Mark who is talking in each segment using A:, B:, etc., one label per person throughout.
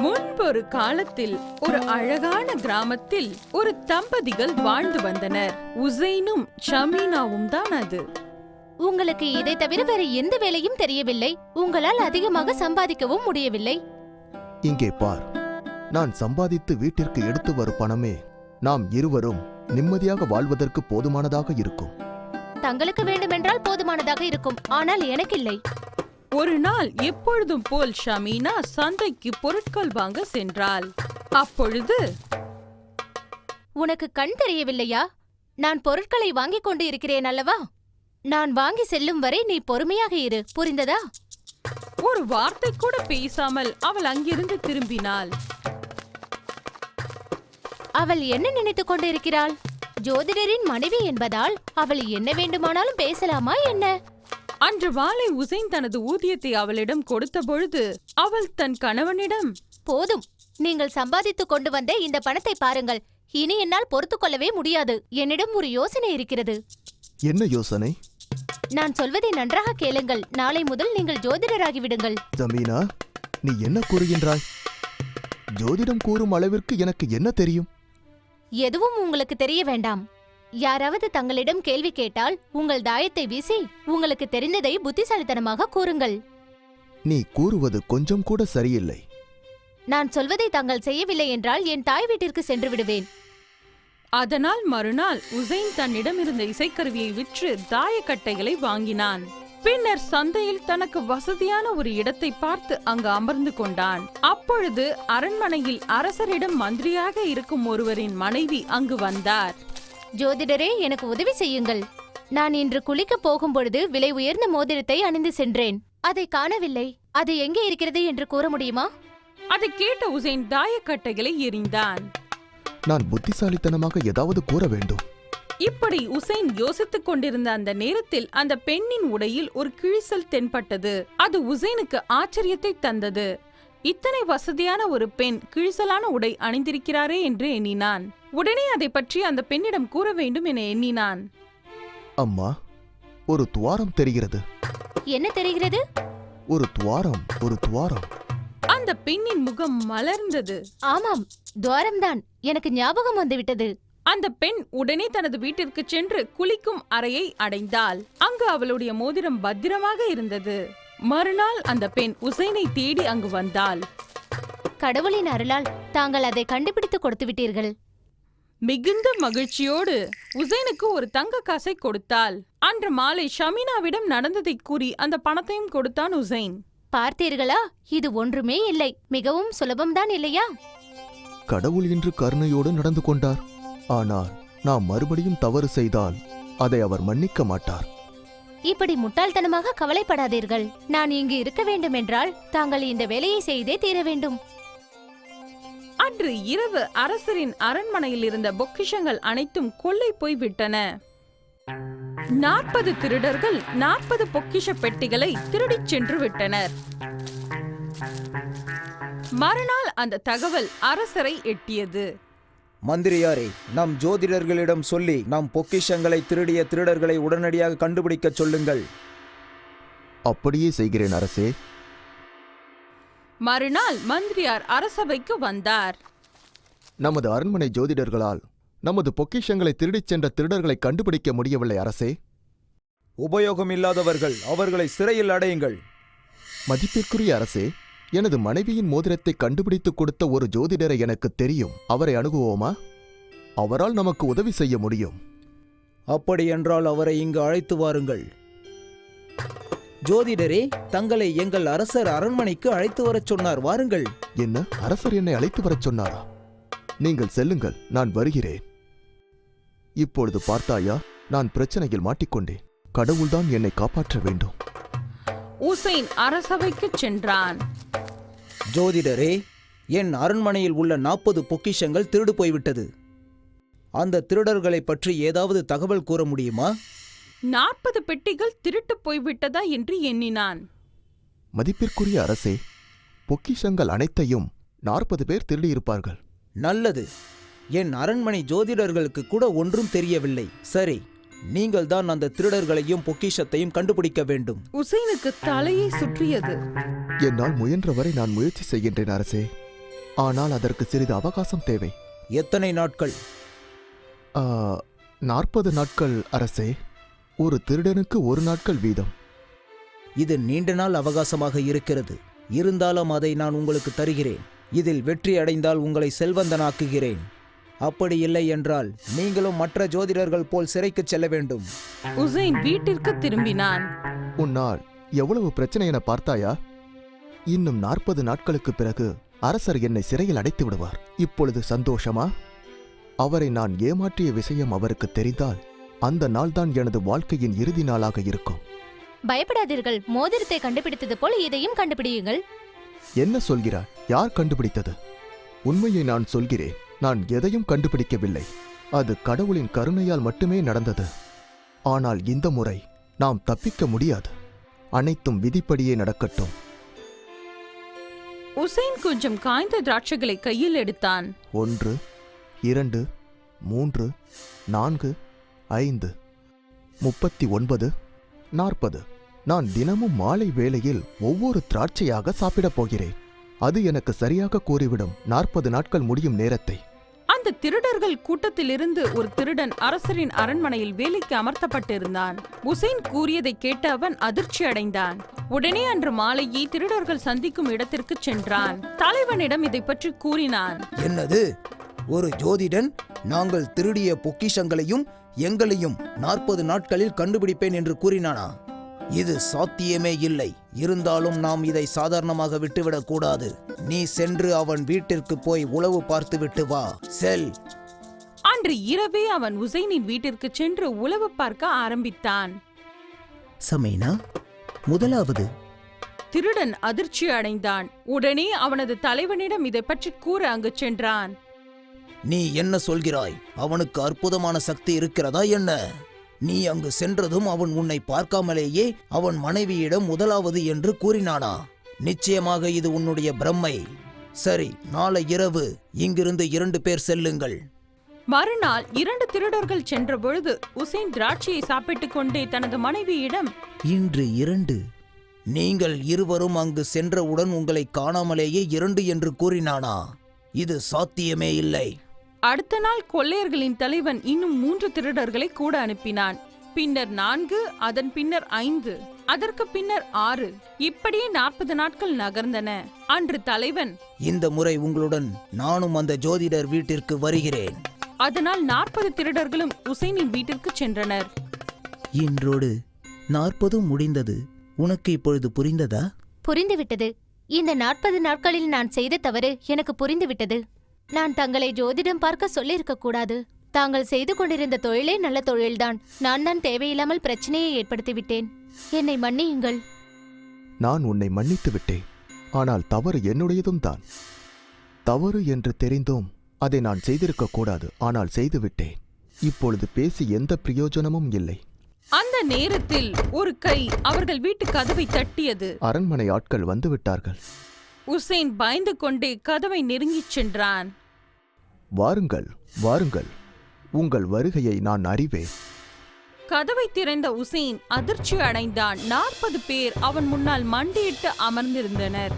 A: முன்பொரு காலத்தில் ஒரு அழகான கிராமத்தில் ஒரு தம்பதிகள் வாழ்ந்து வந்தனர். உசைனும் ஷமீனாவும் தான் அது.
B: உங்களுக்கு இதை தவிர வேற எந்த வேலையும் தெரியவில்லை. உங்களால் அதிகமாக சம்பாதிக்கவும் முடியவில்லை.
C: இங்கே பார், நான் சம்பாதித்து வீட்டிற்கு எடுத்து வரும் பணமே நாம் இருவரும் நிம்மதியாக வாழ்வதற்கு போதுமானதாக இருக்கும்.
B: தங்களுக்கு வேண்டுமென்றால் போதுமானதாக இருக்கும், ஆனால் எனக்கில்லை.
A: ஒரு நாள் எப்பொழுதும் போல் ஷமீனா சந்தைக்கு பொருட்கள் வாங்க சென்றாள். அப்பொழுது,
B: உனக்கு கண் தெரியவில்லையா? நான் பொருட்களை வாங்கிக் கொண்டு இருக்கிறேன் அல்லவா? நான் வாங்கி செல்லும் வரை நீ பொறுமையாக இரு, புரிந்ததா?
A: ஒரு வார்த்தை கூட பேசாமல் அவள் அங்கிருந்து திரும்பினாள்.
B: அவள் என்ன நினைத்துக் கொண்டிருக்கிறாள்? ஜோதிடரின் மனைவி என்பதால் அவள் என்ன வேண்டுமானாலும் பேசலாமா என்ன?
A: அன்று மாலை உசைன் தனது ஊதியத்தை அவளிடம் கொடுத்த பொழுது அவள் தன் கணவனிடம்,
B: போதும், நீங்கள் சம்பாதித்துக் கொண்டு வந்த இந்த பணத்தை பாருங்கள். இனி என்னால் பொறுத்துக் கொள்ளவே முடியாது. என்னிடம் ஒரு யோசனை இருக்கிறது.
C: என்ன யோசனை?
B: நான் சொல்வதை நன்றாக கேளுங்கள். நாளை முதல் நீங்கள் ஜோதிடராகிவிடுங்கள்.
C: ஜமீனா, நீ என்ன கூறுகின்றாய்? ஜோதிடம் கூறும் அளவிற்கு எனக்கு என்ன தெரியும்?
B: எதுவும் உங்களுக்கு தெரிய வேண்டாம். யாராவது தங்களிடம் கேள்வி கேட்டால் உங்கள் தாயத்தை வீசி உங்களுக்கு தெரிந்ததை புத்திசாலித்தனமாக கூறுங்கள்.
C: நீ கூறுவது கொஞ்சம் கூட சரியில்லை.
B: நான் சொல்வதை தாங்கள் செய்யவில்லை என்றால் என் தாய் வீட்டிற்கு சென்று விடுவேன்.
A: அதனால் மறுநாள் உசைன் தன்னிடம் இருந்த இசைக்கருவியை விற்று தாயக்கட்டைகளை வாங்கினான். பின்னர் சந்தையில் தனக்கு வசதியான ஒரு இடத்தை பார்த்து அங்கு அமர்ந்து கொண்டான். அப்பொழுது அரண்மனையில் அரசரிடம் மந்திரியாக இருக்கும் ஒருவரின் மனைவி அங்கு வந்தார்.
B: ஜோதிடரே, எனக்கு உதவி செய்யுங்கள். நான் இன்று குளிக்கப் போகும்பொழுது விலை உயர்ந்த மோதிரத்தை அணிந்து சென்றேன். அதை காணவில்லை. அது எங்கே இருக்கிறது என்று கூற முடியுமா?
A: அதை கேட்ட உசைன் தாயக்கட்டைகளை எறிந்தான்.
C: நான் புத்திசாலித்தனமாக ஏதாவது கூற வேண்டும்.
A: இப்படி உசைன் யோசித்துக் கொண்டிருந்த அந்த நேரத்தில் அந்த பெண்ணின் உடையில் ஒரு கிழிசல் தென்பட்டது. அது உசைனுக்கு ஆச்சரியத்தை தந்தது. இத்தனை வசதியான ஒரு பெண் கிழிசலான உடை அணிந்திருக்கிறாரே என்று எண்ணினான். உடனே அதை பற்றி அந்த பெண்ணிடம் கூற வேண்டும் என எண்ணினான்.
C: அம்மா, ஒரு துவாரம் தெரிகிறது.
B: என்ன தெரிகிறது?
C: ஒரு துவாரம்.
A: அந்த பெண்ணின் முகம் மலர்ந்தது.
B: ஆமாம், துவாரம்தான். எனக்கு ஞாபகம் வந்துவிட்டது.
A: அந்த பெண் உடனே தனது வீட்டிற்கு சென்று குளிக்கும் அறையை அடைந்தாள். அங்கு அவளுடைய மோதிரம் பத்திரமாக இருந்தது. மறுநாள் அந்த பெண் உசைனை தேடி அங்கு வந்தாள்.
B: கடவுளின் அருளால் தாங்கள் அதை கண்டுபிடித்து கொடுத்து விட்டீர்கள்.
A: மிகுந்த மகிழ்ச்சியோடு உசைனுக்கு ஒரு தங்க காசை கொடுத்தாள். அன்று மாலை ஷமீனாவிடம் நடந்ததை கூறி அந்த பணத்தையும் கொடுத்தான் உசைன்.
B: பார்த்தீர்களா, இது ஒன்றுமே இல்லை. மிகவும் சுலபம்தான் இல்லையா?
C: கடவுள் இன்று கருணையோடு நடந்து கொண்டார். ஆனால் நாம் மறுபடியும் தவறு செய்தால் அதை அவர் மன்னிக்க மாட்டார்.
B: இப்படி முட்டாள்தனமாக கவலைப்படாதீர்கள். நான் இங்கு இருக்க வேண்டும் என்றால் தாங்கள் இந்த வேலையை செய்தே தீர வேண்டும்.
A: அன்று இரவு அரசரின் அரண்மனையில் இருந்த பொக்கிஷங்கள் அனைத்தும் கொள்ளை போய் விட்டன. 40 திருடர்கள் 40 பொக்கிஷ பெட்டிகளை திருடிச் சென்று விட்டனர். மறுநாள் அந்த தகவல் அரசரை எட்டியது.
D: மந்திரியாரே, நம் ஜோதிடர்களிடம் சொல்லி நம் பொக்கிஷங்களை திருடிய திருடர்களை உடனடியாக கண்டுபிடிக்கச் சொல்லுங்கள்.
C: அப்படியே செய்கிறேன் அரசே.
A: மறுநாள் மந்திரியார் அரசபைக்கு வந்தார்.
C: நமது அரண்மனை ஜோதிடர்களால் நமது பொக்கிஷங்களை திருடிச் சென்ற திருடர்களை கண்டுபிடிக்க முடியவில்லை அரசே.
D: உபயோகமில்லாதவர்கள், அவர்களை சிறையில் அடையுங்கள்.
C: மதிப்பிற்குரிய அரசே, எனது மனைவியின் மோதிரத்தை கண்டுபிடித்துக் கொடுத்த ஒரு ஜோதிடரை எனக்கு தெரியும். அவரை அணுகுவோமா? அவரால் நமக்கு உதவி செய்ய முடியும்.
D: அப்படியென்றால் அவரை இங்கு அழைத்து வாருங்கள். ஜோதிடரே, தங்களை எங்கள் அரசர் அரண்மனைக்கு அழைத்து வரச் சொன்னார், வாருங்கள்.
C: என்ன, அரசர் என்னை அழைத்து வரச் சொன்னாரா? நீங்கள் செல்லுங்கள், நான் வருகிறேன். இப்பொழுது பார்த்தாயா, நான் பிரச்சனையில் மாட்டிக்கொண்டேன். கடவுள்தான் என்னை காப்பாற்ற வேண்டும்.
A: உசைன் அரசவைக்கு சென்றான்.
D: ஜோதிடரே, என் அரண்மனையில் உள்ள 40 பொக்கிஷங்கள் திருடு போய்விட்டது. அந்த திருடர்களை பற்றி ஏதாவது தகவல் கூற முடியுமா?
A: 40 பெட்டிகள் திருட்டு போய்விட்டதா என்று எண்ணினான்.
C: மதிப்பிற்குரிய அரசே, பொக்கிஷங்கள் அனைத்தையும் 40 பேர் திருடியிருப்பார்கள்.
D: நல்லது. என் அரண்மனை ஜோதிடர்களுக்கு கூட ஒன்றும் தெரியவில்லை. சரி, நீங்கள் தான் அந்த திருடர்களையும் பொக்கிஷத்தையும் கண்டுபிடிக்க வேண்டும்.
A: உசைனுக்கு தலையை சுற்றியது.
C: என்னால் முயன்றவரை நான் முயற்சி செய்கின்றேன் அரசே. ஆனால் அதற்கு சிறிது அவகாசம் தேவை.
D: எத்தனை நாட்கள்?
C: 40 நாட்கள் அரசே. ஒரு திருடனுக்கு 1 நாட்கள் வீதம்.
D: இது நீண்ட நாள் அவகாசமாக இருக்கிறது. இருந்தாலும் அதை நான் உங்களுக்கு தருகிறேன். இதில் வெற்றி அடைந்தால் உங்களை செல்வந்தனாக்குகிறேன். அப்படி இல்லை என்றால் நீங்களும் மற்ற ஜோதிடர்கள் போல் சிறைக்கு செல்ல வேண்டும்.
A: உசைன் வீட்டிற்கு திரும்பினான்.
C: உன்னால் எவ்வளவு பிரச்சனை என பார்த்தாயா? இன்னும் 40 நாட்களுக்கு பிறகு அரசர் என்னை சிறையில் அடைத்து விடுவார். இப்பொழுது சந்தோஷமா? அவரை நான் ஏமாற்றிய விஷயம் அவருக்கு தெரிந்தால் அந்த நாள்தான் எனது வாழ்க்கையின் இறுதி நாளாக இருக்கும்.
B: பயப்படாதீர்கள். மோதிரத்தை கண்டுபிடித்தது போல் இதையும் கண்டுபிடியுங்கள்.
C: என்ன சொல்கிறாய்? யார் கண்டுபிடித்தது? உண்மையை நான் சொல்கிறேன். நான் எதையும் கண்டுபிடிக்கவில்லை. அது கடவுளின் கருணையால் மட்டுமே நடந்தது. ஆனால் இந்த முறை நாம் தப்பிக்க முடியாது. அனைத்தும் விதிப்படியே நடக்கட்டும்.
A: உசைன் கொஞ்சம் காய்ந்த திராட்சைகளை கையில் எடுத்தான்.
C: 1, 2, 3, 4, 5, 39, 40. நான் தினமும் மாலை வேளையில் ஒவ்வொரு திராட்சையாக சாப்பிடப் போகிறேன். அது எனக்கு சரியாக கூறிவிடும் 40 நாட்கள் முடியும் நேரத்தை.
A: அந்த திருடர்கள் கூட்டத்திலிருந்து ஒரு திருடன் அரசரின் அரண்மனையில் வேலைக்கு அமர்த்தப்பட்டிருந்தான். உசைன் கூறியதை கேட்ட அவன் அதிர்ச்சி அடைந்தான். உடனே அன்று மாலையே திருடர்கள் சந்திக்கும் இடத்திற்கு சென்றான். தலைவனிடம் இதை பற்றி கூறினான்.
D: என்னது? ஒரு ஜோதிடன் நாங்கள் திருடிய பொக்கிஷங்களையும் எங்களையும் 40 நாட்களில் கண்டுபிடிப்பேன் என்று கூறினானா? இது சாத்தியமே இல்லை. இருந்தாலும் நாம் இதை சாதாரணமாக விட்டுவிடக் கூடாது. நீ சென்று அவன் வீட்டிற்கு போய் உளவு பார்த்து விட்டு வா. செல்.
A: அன்று இரவே அவன் உசைனின் வீட்டிற்கு சென்று உளவு பார்க்க ஆரம்பித்தான்.
D: சமைனா, முதலாவது
A: திருடன் அதிர்ச்சி அடைந்தான். உடனே அவனது தலைவனிடம் இதை பற்றி கூற அங்கு சென்றான்.
D: நீ என்ன சொல்கிறாய்? அவனுக்கு அற்புதமான சக்தி இருக்கிறதா என்ன? நீ அங்கு சென்றதும் அவன் உன்னை பார்க்காமலேயே அவன் மனைவியிடம் முதலாவது என்று கூறினானா? நிச்சயமாக இது உன்னுடைய பிரம்மை. சரி, நாளை இரவு இங்கிருந்து 2 பேர் செல்லுங்கள்.
A: மறுநாள் 2 திருடர்கள் சென்ற பொழுது உசைன் திராட்சையை சாப்பிட்டுக் கொண்டே தனது மனைவியிடம்,
D: இன்று 2. நீங்கள் இருவரும் அங்கு சென்றவுடன் உங்களை காணாமலேயே 2 என்று கூறினானா? இது சாத்தியமே இல்லை.
A: அடுத்த நாள் கொள்ளையர்களின் தலைவன் இன்னும் 3 திருடர்களை கூட அனுப்பினான். பின்னர் 4, அதன் பின்னர் 5, அதற்கு பின்னர் 6. இப்படியே 40 நாட்கள் நகர்ந்தன. அன்று தலைவன்,
D: இந்த முறை உங்களுடன் நானும் அந்த ஜோதிடர் வீட்டிற்கு வருகிறேன்.
A: அதனால் 40 திருடர்களும் உசைனின் வீட்டிற்கு சென்றனர்.
D: இன்றோடு 40 முடிந்தது. உனக்கு இப்பொழுது புரிந்ததா?
B: புரிந்துவிட்டது. இந்த 40 நாட்களில் நான் செய்த தவறு எனக்கு புரிந்துவிட்டது. நான் தங்களை ஜோதிடம் பார்க்க சொல்லியிருக்க கூடாது. தாங்கள் செய்து கொண்டிருந்த தொழிலே நல்ல தொழில்தான். நான் தான் தேவையில்லாமல் பிரச்சனையை ஏற்படுத்திவிட்டேன். என்னை மன்னியுங்கள்.
C: நான் உன்னை மன்னித்து விட்டேன். ஆனால் தவறு என்னுடையதும் தான். தவறு என்று தெரிந்தும் அதை நான் செய்திருக்க கூடாது. ஆனால் செய்துவிட்டேன். இப்பொழுது பேசி எந்த பிரயோஜனமும் இல்லை.
A: அந்த நேரத்தில் ஒரு கை அவர்கள் வீட்டு கதவை தட்டியது.
C: அரண்மனை ஆட்கள் வந்துவிட்டார்கள்.
A: உசைன் பயந்து கொண்டே கதவை நெருங்கிச் சென்றான்.
C: வாருங்கள், வாருங்கள். உங்கள் வருகையை நான் அறிவேன்.
A: கதவை திறந்த உசைன் அதிர்ச்சி அடைந்தான். 40 பேர் அவன் முன்னால் மண்டியிட்டு அமர்ந்திருந்தனர்.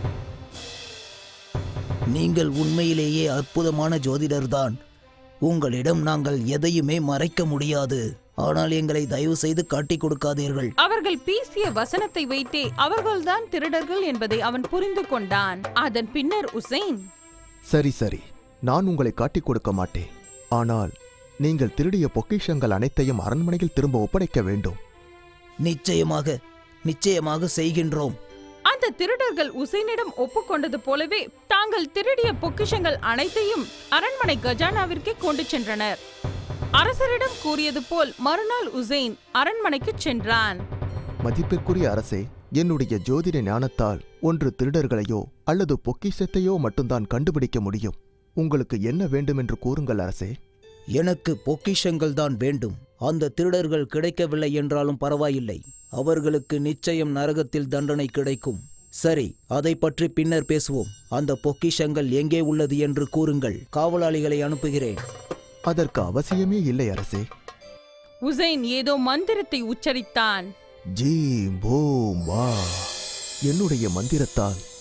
D: நீங்கள் உண்மையிலேயே அற்புதமான ஜோதிடர்தான். உங்களிடம் நாங்கள் எதையுமே மறைக்க முடியாது. ஆனால் எங்களை தயவு செய்து காட்டிக் கொடுக்காதீர்கள்.
A: அவர்கள் பேசிய வசனத்தை வைத்தே அவர்கள்தான் திருடர்கள் என்பதை அவன் புரிந்து கொண்டான். அதன் பின்னர் உசைன்,
C: சரி சரி, நான் உங்களை காட்டிக் கொடுக்க மாட்டேன். ஆனால் நீங்கள் திருடிய பொக்கிஷங்கள் அனைத்தையும் அரண்மனையில் திரும்ப ஒப்படைக்க வேண்டும்.
D: நிச்சயமாக, நிச்சயமாக செய்கின்றோம்.
A: அந்த திருடர்கள் உசைனிடம் ஒப்புக்கொண்டது போலவே தாங்கள் திருடிய பொக்கிஷங்கள் அனைத்தையும் அரண்மனை கஜானாவிற்கே கொண்டு சென்றனர். அரசரிடம் கூறியது போல் மறுநாள் உசைன் அரண்மனைக்கு சென்றான்.
C: மதிப்பிற்குரிய அரசே, என்னுடைய ஜோதிட ஞானத்தால் ஒன்று திருடர்களையோ அல்லது பொக்கிஷத்தையோ மட்டும்தான் கண்டுபிடிக்க முடியும். உங்களுக்கு என்ன வேண்டும் என்று கூறுங்கள் அரசே.
D: எனக்கு பொக்கிஷங்கள் தான் வேண்டும். அந்த திருடர்கள் கிடைக்கவில்லை என்றாலும் பரவாயில்லை. அவர்களுக்கு நிச்சயம் நரகத்தில் தண்டனை கிடைக்கும். சரி, அதை பற்றி பின்னர் பேசுவோம். அந்த பொக்கிஷங்கள் எங்கே உள்ளது என்று கூறுங்கள். காவலாளிகளை அனுப்புகிறேன்.
C: அதற்கு அவசியமே இல்லை அரசே.
A: உசைன் ஏதோ மந்திரத்தை உச்சரித்தான்.
C: ஜீம் பூம் வா. என்னுடைய மந்திரத்தால்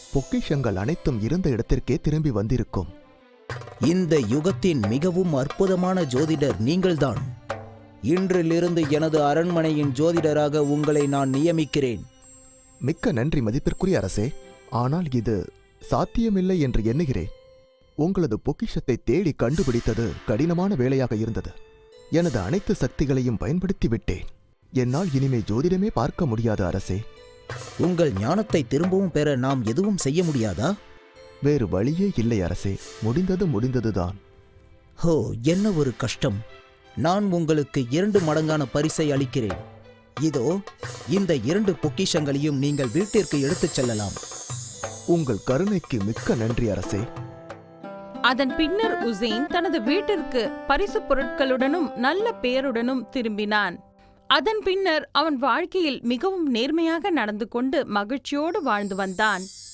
C: பொக்கிஷங்கள் அனைத்தும் இருந்த இடத்திற்கே திரும்பி வந்திருக்கும்.
D: இந்த யுகத்தின் மிகவும் அற்புதமான ஜோதிடர் நீங்கள்தான். இன்றிலிருந்து எனது அரண்மனையின் ஜோதிடராக உங்களை நான் நியமிக்கிறேன்.
C: மிக்க நன்றி மதிப்பிற்குரிய அரசே. ஆனால் இது சாத்தியமில்லை என்று எண்ணுகிறேன். உங்களது பொக்கிஷத்தை தேடி கண்டுபிடித்தது கடினமான வேலையாக இருந்தது. எனது அனைத்து சக்திகளையும் பயன்படுத்தி விட்டேன். என்னால் இனிமே ஜோதிடமே பார்க்க முடியாது அரசே.
D: உங்கள் ஞானத்தை திரும்பவும் பெற நாம் எதுவும் செய்ய முடியாதா?
C: வேறு வழியே இல்லை அரசே. முடிந்ததுதான்.
D: ஹோ, என்ன ஒரு கஷ்டம். நான் உங்களுக்கு 2 மடங்கான பரிசை அளிக்கிறேன். இதோ இந்த 2 பொக்கிஷங்களையும் நீங்கள் வீட்டிற்கு எடுத்துச் செல்லலாம்.
C: உங்கள் கருணைக்கு மிக்க நன்றி அரசே.
A: அதன் பின்னர் உசைன் தனது வீட்டிற்கு பரிசு பொருட்களுடனும் நல்ல பெயருடனும் திரும்பினான். அதன் பின்னர் அவன் வாழ்க்கையில் மிகவும் நேர்மையாக நடந்து கொண்டு மகிழ்ச்சியோடு வாழ்ந்து வந்தான்.